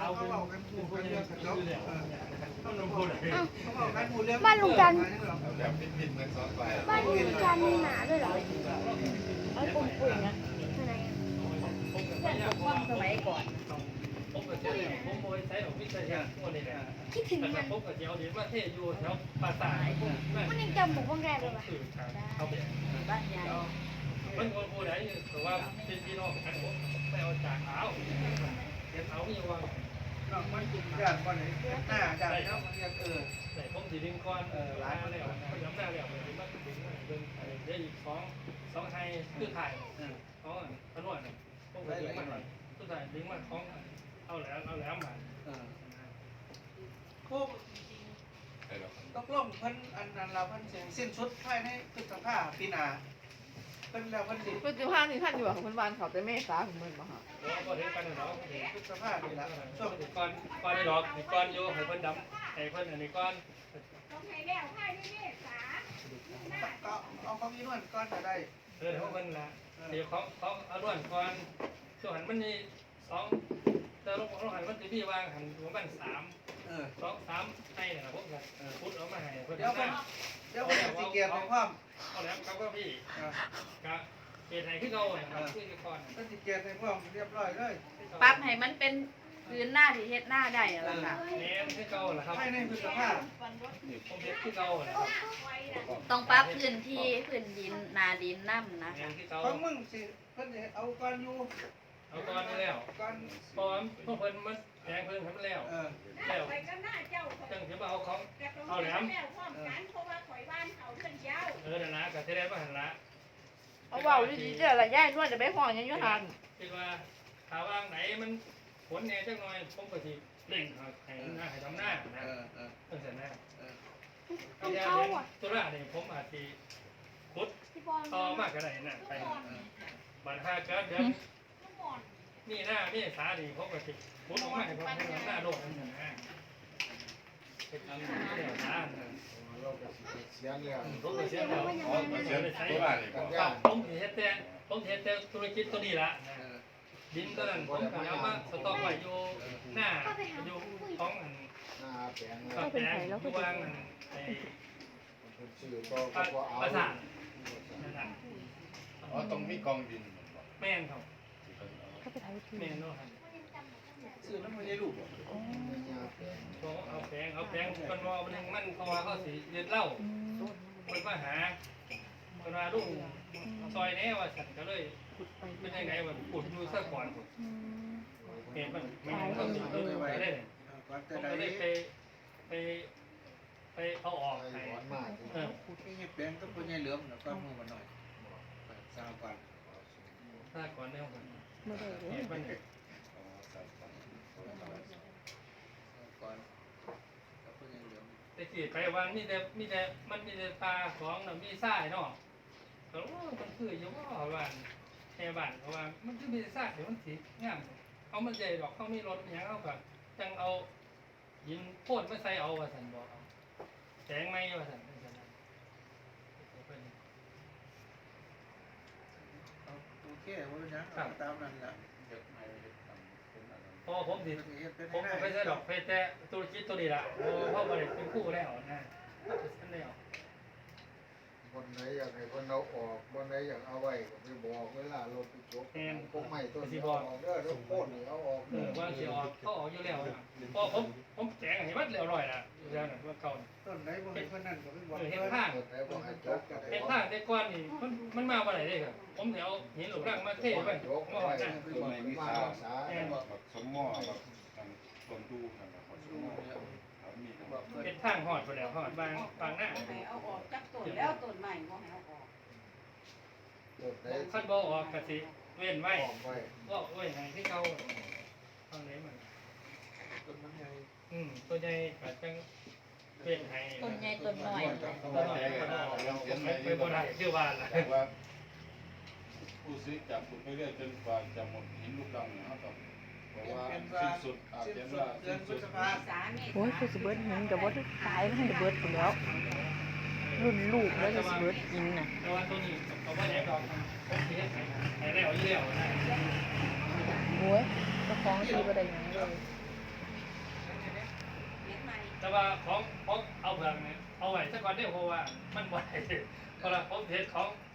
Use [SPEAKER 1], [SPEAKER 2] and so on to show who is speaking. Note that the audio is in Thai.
[SPEAKER 1] เขาบอกกันผูกกันเรื่องกันจบต้องลงทุนเขาบอกกันผูกเรื่อง
[SPEAKER 2] บ้านลุงจันทร์
[SPEAKER 3] แบบพินๆทั้งสองฝ่าย
[SPEAKER 2] บ้านลุงจันทร์มีหนาด้วยเหรอไอ้ปุ่มปุ่มนะไหน
[SPEAKER 4] ความสมัยก่อน
[SPEAKER 5] ผมก็เชื่อผมโมยใช้ดอกพิเศษพวกนี้แหละ
[SPEAKER 2] คิดถึง
[SPEAKER 5] แต่
[SPEAKER 2] มัน
[SPEAKER 5] ผมก็เจียวเดี๋ยวว่าเทอยู่แถวปราสาท
[SPEAKER 2] มันยังจำบุกบ้างแรกเลยว่ะ
[SPEAKER 5] เขาไป
[SPEAKER 4] บ้านใหญ่
[SPEAKER 5] มันคนผู้ใดแต่ว่าเป็นพี่น้องกันผมไม่เอาจากเอาเดี๋ยวเอาอยู่ว่า
[SPEAKER 1] มันจุ่มญาติวันไหนหน้าญาติเขามันยัง
[SPEAKER 5] แต่ผมสีดินก้อนร้านแล้วพยายามได้แล้วเลยมันถึงเป็นได้อีกสองไทยคือไทยเขาขนวดผมก็ดึงมาคือไทยดึงมาของเอาแล้วมา
[SPEAKER 1] โค้ตกลงเพิ่นอันนั้นเราเพิ่นเสียงสิ้นสุดภายในพฤษภาปีหน้าเพิ่นแล้วเพิ่นสิ
[SPEAKER 4] ปัจจุบันนี่ท่านอยู่ของคนบ้านเขาแต่เมษาของเมืองมาหา
[SPEAKER 5] แล้วก็เห็นกันเนาะ
[SPEAKER 1] พฤษภาปีละช่วง
[SPEAKER 5] ก้อนในดอกก้อนโยให้เพิ่นดำให้เพิ่นอันนี้ก้อน
[SPEAKER 6] ต้องให้แล้วให้ด้วยเมษา
[SPEAKER 1] ก็เอาของอีนวลก้อนจะได้
[SPEAKER 5] เพิ่นละเดี๋ยวเขาเอาล้วนก้อนส่วนหันมันนี่สองแต่ลงหันมันจะมีวางหันประมาณ3ให้เนี่ยนะพวกกันพุทธเอามาให้เพิ่น
[SPEAKER 1] เดี๋ยวผมสิเกียรติความ
[SPEAKER 5] เอาแล้วเขาก็พี่กะเกณฑ์ไหนที่เขาครับคือก่อน
[SPEAKER 1] เพิ่นสิเกียรติความเรียบร้อยเลย
[SPEAKER 4] ปรับให้มันเป็นพื้นหน้าที่เฮ็ดหน้าได้แล้วค่ะ
[SPEAKER 5] เน้นที่เขาแหละครับ
[SPEAKER 1] ภายในพฤษภา
[SPEAKER 5] ผมเฮ็ดที่เขาแหละครับ
[SPEAKER 4] ต้องปรับพื้นที่พื้นดินนาดินน้ำนะ
[SPEAKER 5] เน้
[SPEAKER 4] คะ
[SPEAKER 5] นที่เขา
[SPEAKER 1] ของมึงสิเพิ่นสิเอาก้อนอยู่
[SPEAKER 5] เอาก้อนนี้แล้ว
[SPEAKER 1] ก้อน
[SPEAKER 5] พอพวกเพิ่นมันแดงเพิ่นทำแล้วแล้ว
[SPEAKER 6] ไปก็หน้าเจ้า
[SPEAKER 5] จังสิมาเอาของ
[SPEAKER 6] แต่ตรงนี้แล้วพร้อมกันเพราะว่าข่อยบ้านเขาเพื่อนเจ้า
[SPEAKER 5] นั่นนะก็สิได้มาหันละ
[SPEAKER 4] เอาเบาดีๆเด้อละย่ายนวดจะไปห้องยังอยู่หัน
[SPEAKER 5] คิดว่าถ้าวางไหนมันฝนแน่จังหน่อยผมก็สิเร่งให้ทำหน้านะตั้งแต่หน้า
[SPEAKER 2] ต้องเข้าอ่ะ
[SPEAKER 5] ตัวละนี่ผมอาจสิขุด
[SPEAKER 2] พี่บอล
[SPEAKER 5] ต่อมากก็ได้น่ะไปบัด5เดือนนี่หน้านี่สานี่ผมก็สิขุดออกมาให้ผมหน้าโลกนั่นนะเฮ็ดทำแล้วสา
[SPEAKER 3] เราก็เสียแล้ว
[SPEAKER 5] ผมก็เสียแล้ว
[SPEAKER 3] อ๋อเสียตัวบ้านนี่ก็
[SPEAKER 5] ผมเฮ็ดแต่ธุรกิจตัวนี้ละดินตัวนั้นผมก็เอามาสต็อกไว้อยู่หน้าอยู่ของอัน
[SPEAKER 3] หน้าแปลง
[SPEAKER 5] กับแปลงอยู่วางอันไอ้
[SPEAKER 3] ชื่อก็เอา
[SPEAKER 5] ประสาทนั่นน่ะ
[SPEAKER 3] อ๋อต้องมีกองดิน
[SPEAKER 5] แม่นครับแม่นเนาะครับ
[SPEAKER 1] ซื้อน้ำมันยายลูก
[SPEAKER 5] เขาเอาแปลงคนว่ามันมันเพราะว่าเขาสิเรียนเล่ามันมาหาคนว่าลุงซอยแน่ว่าฉันก็เลยเป็นยังไงว่าขุดอยู่ซะก่อนเห็นมันไม่ต้องสิไปได้
[SPEAKER 1] ก่อนจะ
[SPEAKER 5] ผม
[SPEAKER 1] ได้
[SPEAKER 5] ก็เลยไปเอาออกให้
[SPEAKER 3] หวานมาก
[SPEAKER 1] นี่แปลงต้องคนยายเหลือมแล้วก็มือมาหน่อยสาวก่อน
[SPEAKER 5] ถ้าก่อนแนวมัน
[SPEAKER 4] ไม่ได้เลย
[SPEAKER 5] เห็นมัน
[SPEAKER 1] ก่อนกับคนยายเหลือม
[SPEAKER 5] แต่กี่ไปวันมีแต่มันมีแต่ปลาของน่ะมีทรายเนาะก็มันคืออยู่ว่าบ้านแค่บ้านเพราะว่ามันคือมีทรายเดี๋ยวมันสีงามเอามันใหญ่ดอกเขามีรถอย่างเอากับจังเอาหินโพ่นมาใส่เอาว่าสันบอกเอาแสงไม้ว่าสันเป็นสัน
[SPEAKER 1] โอเคว่าเป็นยังตามนั้นแหละ
[SPEAKER 5] พอผมสิผมไปใส่ดอกเพชรแต่ธุรกิจตัวนี้ละเพราะว่าเป็นคู่แล้วนะฉันแล้ว
[SPEAKER 3] คนไหนอยากให้คนเอาออกคนไหนอยากเอาไว้ก็ไปบอกเวลาเราไปจบพวกใหม่ต้นนี้ออกเด้อแล้วโค่นนี่เอาออก
[SPEAKER 5] ว่าสิออกเขาออกอยู่แล้วพอผมแจงให้มันเรียบร้อยละอยู่แล้วนะว่าเก่า
[SPEAKER 1] ต้นไหนบ่ให้คนนั้นก็เป็นบอก
[SPEAKER 5] เห็นข้าง
[SPEAKER 3] ไหนบอกให้จบก็ได้
[SPEAKER 5] เห็นข้างแต่ก้อนนี่มันมาวันไหนได้ครับผมเดี๋ยวเห็นหลุมร่างมาเทไป
[SPEAKER 3] จบ
[SPEAKER 5] มา
[SPEAKER 3] ก็
[SPEAKER 5] หอ
[SPEAKER 3] ได้
[SPEAKER 5] ดนะ
[SPEAKER 3] ตัวไหนมีสาวสา
[SPEAKER 7] สมมอแบบต้นดูกันแบบสมมอครับมีครับ
[SPEAKER 5] เป็นทางหอดไปแล้วหอดบางหน้า
[SPEAKER 6] ให้เอาออกจากต้นแล้วต้นใหม่บ่ให้เอาออก
[SPEAKER 3] ตัวไหน
[SPEAKER 5] ขั้นบ่ออกกะสิเว้นไว้
[SPEAKER 3] ออกไว้
[SPEAKER 5] ก็เว้นให้ที่เขาทางไหนมัน
[SPEAKER 1] ต้นมันใหญ่
[SPEAKER 5] ตัวใหญ่ก็จังเว้นให้
[SPEAKER 4] ต้นใหญ่ต้นน้อย
[SPEAKER 5] ตัวน้อยก็ได้ไปบ่ได้คือว่าล่ะ
[SPEAKER 7] แต่ว่าผู้ซื้อจับคุณไปเรื่อยจนกว่าจะหมดหินลูกดังนะครับเพราะว่าสิ้นสุดอาจ
[SPEAKER 1] สิ้น
[SPEAKER 7] จะ
[SPEAKER 1] สุด
[SPEAKER 7] ว่า
[SPEAKER 1] เดือ
[SPEAKER 7] สิ้
[SPEAKER 1] น
[SPEAKER 7] น
[SPEAKER 1] พฤ
[SPEAKER 7] สุด
[SPEAKER 1] ษภา
[SPEAKER 6] สาเมษา
[SPEAKER 4] โอ้ยคือสิเบิร์ดหินกับว่าตายมันจะเบิร์ดไปแล้ว รุ่นลูกแล้วจะสิเบิร์ดหินน่ะ
[SPEAKER 5] แต่ว่าตัวนี้เขาบ่ได้ดอกผมสิเฮ็ดให้แล้วอยู่แล้วนะ
[SPEAKER 4] โอ้ยเจ้าของซื้อบ่ได้หยังเลย
[SPEAKER 5] แต่ว่าของเอาเผือกเนี่ยเอาไว้ซะก่อนได้เพราะว่ามันบ่ได้เพราะว่าผมเฮ็ดของ